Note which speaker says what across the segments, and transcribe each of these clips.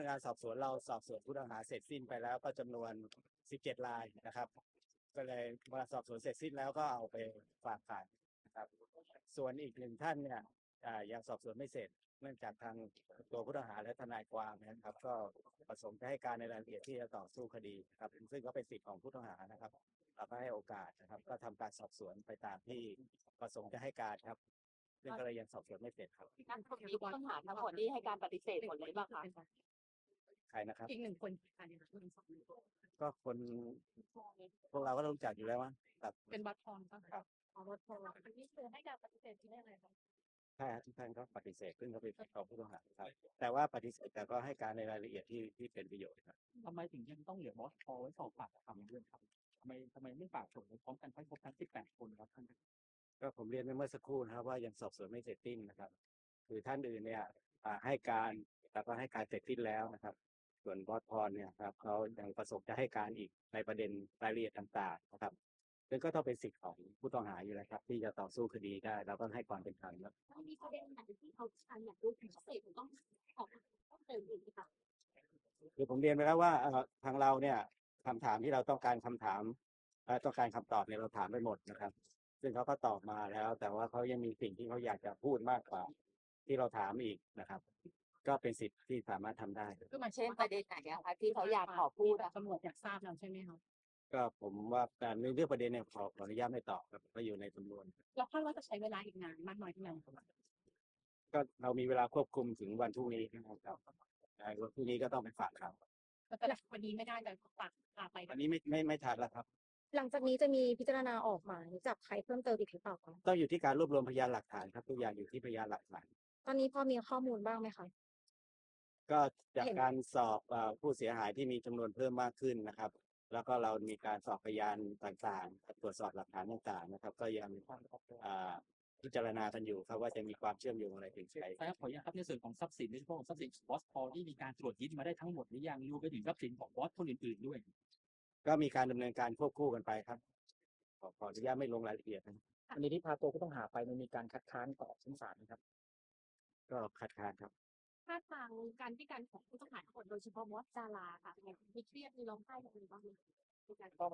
Speaker 1: งานสอบสวนเราสอบสวนผู้ต้องหาเสร็จสิ้นไปแล้วก็จำนวน17 รายนะครับก็เลยเมื่อสอบสวนเสร็จสิ้นแล้วก็เอาไปฝากขังนะครับส่วนอีก1 ท่านเนี่ยยังสอบสวนไม่เสร็จเนื่องจากทางตัวผู้ต้องหาและทนายความนะครับก็ประสงค์จะให้การในรายละเอียดที่จะต่อสู้คดีครับซึ่งก็เป็นสิทธิของผู้ต้องหานะครับเราก็ให้โอกาสนะครับก็ทำการสอบสวนไปตามที่ประสงค์จะให้การครับซึ่งก็เลยยังสอบสวนไม่เสร็จครับ
Speaker 2: การคนนี้ผู้ต้องหาทั้งหมดนี่ให้การปฏิเสธหมดเลยป่ะคะ
Speaker 1: ใครนะครับ
Speaker 3: อีก1 คนค่ะ
Speaker 1: ก็คนพวกเราก็รู้จักอยู่แล้วมั้งครับ
Speaker 3: เป็นบัตรทองป่ะคะ
Speaker 2: บัตรทองอันนี้คือให้การปฏิเสธที่ได้ไงคะ
Speaker 1: ใช่ทุกท่านก็ปฏิเสธซึ่งเขาเป็นของผู้ต้องหาครับแต่ว่าปฏิเสธแต่ก็ให้การในรายละเอียดที่เป็นประโยชน์ครับ
Speaker 4: ทำไมถึงยังต้องเหลือบอสพอไว้สอบปากคำด้วยครับทำไมไม่ฝากส่งไปพร้อมกันให้ครบทั้ง18 คนครับท่าน
Speaker 1: ก็ผมเรียนไปเมื่อสักครู่นะครับว่ายังสอบสวนไม่เสร็จสิ้นนะครับคือท่านอื่นเนี่ยให้การแต่ก็ให้การเสร็จสิ้นแล้วนะครับส่วนบอสพรเนี่ยครับเขายังประสงค์จะให้การอีกในประเด็นรายละเอียดต่างๆนะครับซึ่งก็ต้องเป็นสิทธิ์ของผู้ต้องหาอยู่แล้วครับที่จะต่อสู้คดีได้เราก็ให้ความเป็นธรรมครับ
Speaker 2: มีประเด็นไหนที่เขาอยากรู้พิเศษต้องขอต้องเติมอีกไหมคะ
Speaker 1: คือผมเรียนไปแล้วว่าทางเราเนี่ยคำถามที่เราต้องการคำถามต้องการคำตอบเนี่ยเราถามไปหมดนะครับซึ่งเขาก็ตอบมาแล้วแต่ว่าเขายังมีสิ่งที่เขาอยากจะพูดมากกว่าที่เราถามอีกนะครับก็เป็นสิทธิ์ที่สามารถทำได้
Speaker 2: ก็มาเช่นประเด็นไหนคะที่เขาอยากขอพูด
Speaker 3: ตำรวจอยากทราบแล้วใช่ไหมคะ
Speaker 1: ก็ผมว่าการในเรื่องประเด็นเนี่ยขออนุญาตไม่ตอบครับก็อยู่ในสำนวน
Speaker 3: เราคาดว่าจะใช้เวลาอีกนานมากน้อยเท่าไหร่
Speaker 1: ก็เรามีเวลาควบคุมถึงวันพรุ่งนี้นะครับวันพรุ่งนี้ก็ต้องไปฝากข่าว
Speaker 3: แต่วันนี้ไม่ได้แต่ฝากไป
Speaker 1: วันนี้ไม่ทันแล้วครับ
Speaker 5: หลังจากนี้จะมีพิจารณาออกหมายจับใครเพิ่มเติมอีกหรือเปล่าคะ
Speaker 1: ต้องอยู่ที่การรวบรวมพยานหลักฐานครับทุกอย่างอยู่ที่พยานหลักฐาน
Speaker 5: ตอนนี้พอมีข้อมูลบ้างไหมคะ
Speaker 1: ก็จากการสอบผู้เสียหายที่มีจำนวนเพิ่มมากขึ้นนะครับแล้วก็เรามีการสอบพยานต่างๆตรวจสอบหลักฐานต่างๆนะครับก็ยังพิจารณากันอยู่ครับว่าจะมีความเชื่อมโยงอะไรถึงใคร
Speaker 4: ขออนุญาตครับในส่วนของทรัพย์สินโดยเฉพาะทรัพย์สินบอสพอที่มีการตรวจยึดมาได้ทั้งหมดหรือยังรวมไปถึงทรัพย์สินของบอสคนอื่นๆด้วย
Speaker 1: ก็มีการดำเนินการควบคู่กันไปครับขออนุญาตไม่ลงรายละเอียดนะ
Speaker 4: อันนี้ที่พาตัวผู้ต้องหาไปมันมีการคัดค้านต่อชั้นศาลนะครับ
Speaker 1: ก็คัดค้านครับ
Speaker 2: ถ้าทางการที่การของผู้ต้องหาทั้งหมดโดยเฉพาะบอสดาราค่ะมีเครียดมีร้องไห้กันบ้างไหมในการ
Speaker 4: ไม่ต้อง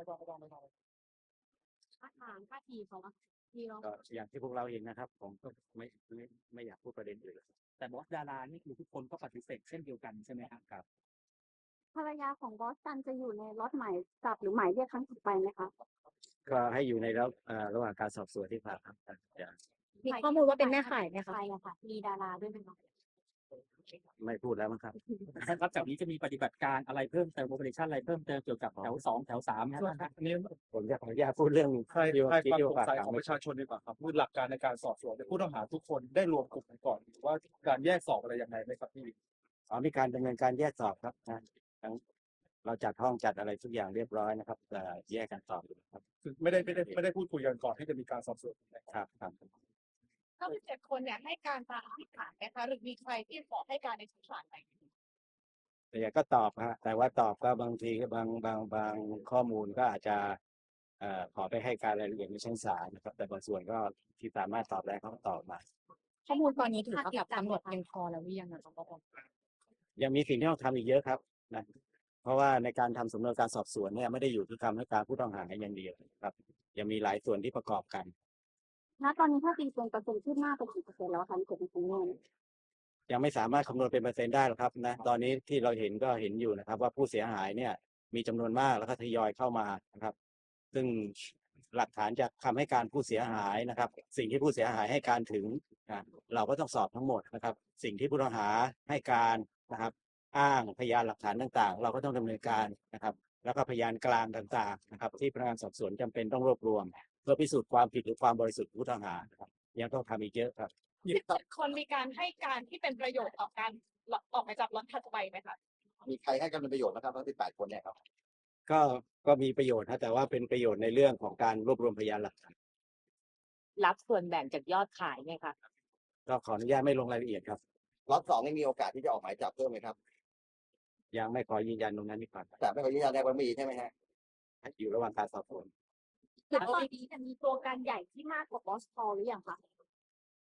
Speaker 2: ท่าทีเขามีร้อง
Speaker 1: ก็อย่างที่พวกเราเห็นนะครับผมก็ไม่อยากพูดประเด็นอื่น
Speaker 4: แต่บอสดารานี่คือทุกคนก็ปฏิเสธเช่นเดียวกันใช่ไหมครับ
Speaker 2: ภรรยาของบอสตันจะอยู่ในล็อตหมายจับหรือหมายเรียกครั้งต่อไปไหมคะ
Speaker 1: ก็ให้อยู่ในระหว่างการสอบสวนที่ผ่านครับ
Speaker 5: มีข้อมูลว่าเป็นแม่ข่ายไหมคะ
Speaker 2: ใช่ค่ะมีดาราด้วยไหมคะ
Speaker 1: ไม่พูดแล้วมั้งครับ
Speaker 4: ครับจากนี้จะมีปฏิบัติการอะไรเพิ่มเติมโอเปอเรชั่นอะไรเพิ่มเติมเกี่ยวกับแถว2แถว3นะครับ
Speaker 1: อันนี้ผมจะขออนุญาตพูดเรื่อง
Speaker 6: ให้ความสงสัยของประชาชนดีกว่าครับคือหลักการในการสอบสวนผู้ต้องหาทุกคนได้รวมกลุ่มกันก่อนหรือว่าการแยกสอบอะไรยังไงไหมครับพี่
Speaker 1: มีการดำเนินการแยกสอบครับนะเราจัดห้องจัดอะไรทุกอย่างเรียบร้อยนะครับแยกกันสอบครับ
Speaker 6: คือไม่ได้พูดคุยกันก่อนที่จะมีการสอบสวน
Speaker 1: ครับ
Speaker 3: ทั้ง17 คนเนี่ยให้การตามที่ฐานนะคะหรือมีใครที่ขอให้การในชั้นศาลไหม
Speaker 1: แต่ก็ตอบฮะแต่ว่าตอบก็บางทีบางข้อมูลก็อาจจะขอไปให้การรายละเอียดในชั้นศาลนะครับแต่บางส่วนก็ที่สามารถตอบได้เขาก็ตอบมา
Speaker 5: ข้อมูลตอนนี้ถือว่าแบบตำรวจเพียงพอแล้วหรือยังคะ
Speaker 1: ยังมีสิ่งที่ต้องทำอีกเยอะครับนะเพราะว่าในการทำสำนวนการสอบสวนเนี่ยไม่ได้อยู่ที่คำให้การผู้ต้องหาอย่างเดียวครับยังมีหลายส่วนที่ประกอบกัน
Speaker 2: ณตอนนี้ถ้าตีเป็นเปอร์เซ็นต์ขึ้นหน้าไปกี่เปอร์เซ็นต์แล้วคะที่เกิดเป็นจำนวน
Speaker 1: ยังไม่สามารถคำนวณเป็นเปอร์เซ็นต์ได้หรอกครับนะตอนนี้ที่เราเห็นก็เห็นอยู่นะครับว่าผู้เสียหายเนี่ยมีจำนวนมากแล้วก็ทยอยเข้ามานะครับซึ่งหลักฐานจากคำให้การผู้เสียหายนะครับสิ่งที่ผู้เสียหายให้การถึงเราก็ต้องสอบทั้งหมดนะครับสิ่งที่ผู้ต้องหาให้การนะครับอ้างพยานหลักฐานต่างๆเราก็ต้องดำเนินการนะครับแล้วก็พยานกลางต่างๆนะครับที่พนักงานสอบสวนจำเป็นต้องรวบรวมเพื่อพิสูจน์ความผิดหรือความบริสุทธิ์ผู้ต้องหาครับยังต้องทำอีกเยอะครับ
Speaker 3: 17 คนมีการให้การที่เป็นประโยชน์ต่อการออกหมายจับล็อตถัดไปไหมคะ
Speaker 6: มีใครให้กันเป็นประโยชน์นะครับทั้ง18 คนเนี่ยครับ
Speaker 1: ก็มีประโยชน์นะแต่ว่าเป็นประโยชน์ในเรื่องของการรวบรวมพยานหลักฐาน
Speaker 2: รับส่วนแบ่งจากยอดขายไหมคะ
Speaker 1: ก็ขออนุญาตไม่ลงรายละเอียดครับ
Speaker 6: ล็อต2นี่มีโอกาสที่จะออกหมายจับเพิ่มไหมครับ
Speaker 1: ยังไม่ขอยืนยันตรงนั้นดีกว่า
Speaker 6: แต่ไม่ขอยืนยันได้ว่ามีใช่ไหมฮะ
Speaker 1: อยู่ระหว่างการสอบสวน
Speaker 2: แล้วตอนนี้จะมีตัวการใหญ่ที่มากกว่าบอสพอหรือยังคะ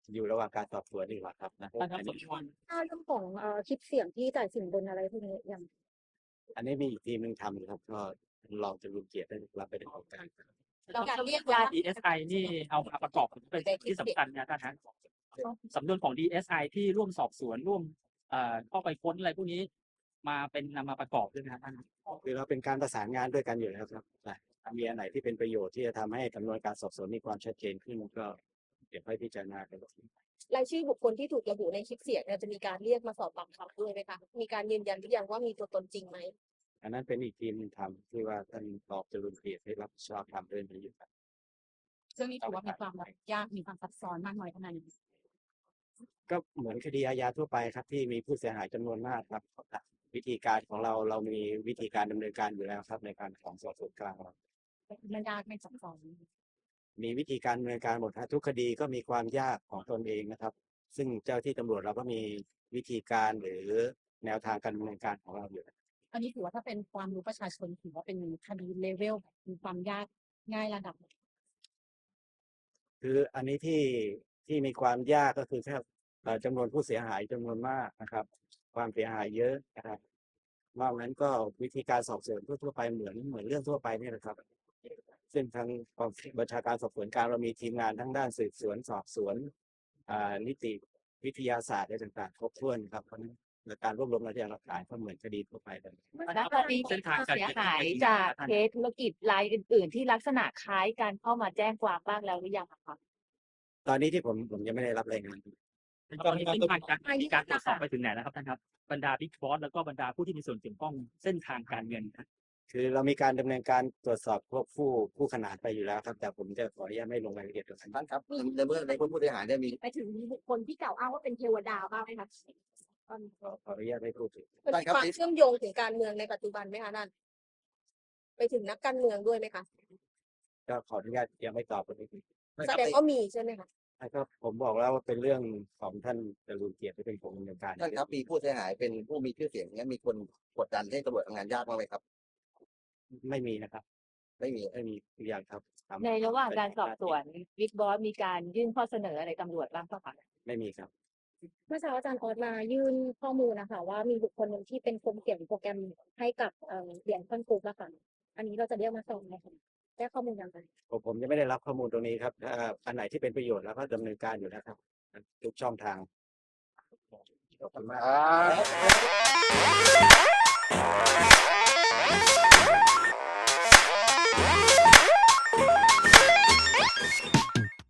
Speaker 1: อยู่ระหว่างการสอบสวนดีกว่าครับนะ
Speaker 4: ท่านครับ
Speaker 1: อัน
Speaker 4: ส
Speaker 1: นี้
Speaker 4: มควร
Speaker 5: ถ้าเรื่องของคลิปเสียงที่จ่ายสินบนอะไรพวกนี้ยัง
Speaker 1: อันนี้มีอีกทีมหนึงทำอยู่ครับ ก็รองจรูญเกียรติได้รับไปดำเนินการ
Speaker 3: เราการเรียก
Speaker 4: ยา
Speaker 3: ว่า
Speaker 4: DSI นี่เอามาประกอบเป็นที่สำคัญนะท่านฮะสำนวนของ DSI ที่ร่วมสอบสวนร่วมเข้าไปค้นอะไรพวกนี้มาเป็นนำมาประกอบด้วยนะท่าน
Speaker 1: คือเราเป็นการประสานงานด้วยกันอยู่แล้วครับนะมีอันไหนที่เป็นประโยชน์ที่จะทำให้สำนวนการสอบสวนมีความชัดเจนขึ้นก็เดี๋ยวค่อยพิจารณากัน
Speaker 3: รายชื่อบุคคลที่ถูกระบุในคลิปเสียงเนี่ยจะมีการเรียกมาสอบปากคำด้วยไหมคะมีการยืนยันหรือยังว่ามีตัวตนจริงไหม
Speaker 1: อันนั้นเป็นอีกทีมหนึงทำที่ว่าท่านรองจรูญเกียรติให้รับผิดชอบทำเรื่องนี้อยู่ครับ
Speaker 2: ซึ่งนี่ถือว่ามีความยากมีความซับซ้อนมากน้อยขนาดไหน
Speaker 1: ก็เหมือนคดีอาญาทั่วไปครับที่มีผู้เสียหายจำนวนมากครับวิธีการของเรามีวิธีการดำเนินการอยู่แล้วครับในการของสอบสวนกลางเรา
Speaker 2: มันยากไม่ซับซ้อน
Speaker 1: มีวิธีการดำเนินการหมดฮะทุกคดีก็มีความยากของตนเองนะครับ ซึ่งเจ้าที่ตำรวจเราก็มีวิธีการหรือแนวทางการดำเนินการของเราอยู่
Speaker 2: อันนี้ถือว่าถ้าเป็นความรู้ประชาชนถือว่าเป็นคดีเลเวลมีความยากง่ายระดับ
Speaker 1: คืออันนี้ที่มีความยากก็คือแค่จำนวนผู้เสียหายจำนวนมากนะครับ ความเสียหายเยอะนะครับนอกนั้นก็วิธีการสอบสวนทั่วไปเหมือนเรื่องทั่วไปนี่แหละครับ ซึ่งทางกองบัญชาการสอบสวนกลางเรามีทีมงานทั้งด้านสืบสวนสอบสวนนิติวิทยาศาสตร์อะไรต่างๆครบถ้วนครับเพราะฉะนั้นการรวบรวมพยานหลักฐานก็เหมือนคดีทั่วไปเลย
Speaker 7: ณตอนนี้มีผู้เสียหายจากเคสธุรกิจรายอื่น ๆ ที่ลักษณะคล้ายกันเข้ามาแจ้งความบ้างแล้วหรือยังอะคะ
Speaker 1: ตอนนี้ที่ผมยังไม่ได้รับรายงาน
Speaker 4: ตอนนี้เป็นการตรวจสอบไปถึงไหนแล้วครับท่านครับบรรดาบิ๊กบอสแล้วก็บรรดาผู้ที่มีส่วนเกี่ยวข้องเส้นทางการเงินครับ
Speaker 1: คือเรามีการดำเนินการตรวจสอบพวกผู้ขนานไปอยู่แล้วครับ แต่ผมจะขออนุญาตไม่ลงรายละเอียดกับท่าน
Speaker 8: ท่านครับในเมื่อในผู้เสียหายเนี่ยมี
Speaker 2: ไปถึงบุคคลที่กล่าวอ้างว่าเป็นเทวดาบ้างไหมคะ
Speaker 1: ขออนุญาตไม่พูดถึง
Speaker 3: มันมีความเชื่อมโยงถึงการเมืองในปัจจุบันไหมคะนั่นไปถึงนักการเมืองด้วยไหมคะ
Speaker 1: ก็ขออนุญาตยังไม่ตอบตรงนี้
Speaker 3: แสดงว่ามีใช่ไหมคะ
Speaker 1: ก็ผมบอกแล้วว่าเป็นเรื่องของท่านจรูญเกียรติที่เป็นคนดำเนินการ
Speaker 8: ท่านครับมีผู้เสียหายเป็นผู้มีชื่อเสียงเนี้ยมีคนกดดันให้ตำรวจทำงานยากบ้างไหมครับ
Speaker 1: ไม่มีนะครับ
Speaker 8: ไม่มี
Speaker 1: ไม่มีทุกอย่างครับทำ
Speaker 7: ในระหว่างการสอบสวนบิ๊กบอสมีการยื่นข้อเสนออะไรตำรวจบ้างเปล่าคะ
Speaker 1: ไม่มีครับ
Speaker 5: เมื่อเช้าอาจารย์ออสมายื่นข้อมูลนะคะว่ามีบุคคลหนึ่งที่เป็นคนเขียนโปรแกรมให้กับเหรียญคอนกรุ๊ปอะค่ะอันนี้เราจะเรียกมาสอบไหมคะได้ข้อมูลยังไง
Speaker 1: ผมยังไม่ได้รับข้อมูลตรงนี้ครับถ้าอันไหนที่เป็นประโยชน์แล้วก็ดำเนินการอยู่แล้วครับทุกช่องทางขอบคุณมาก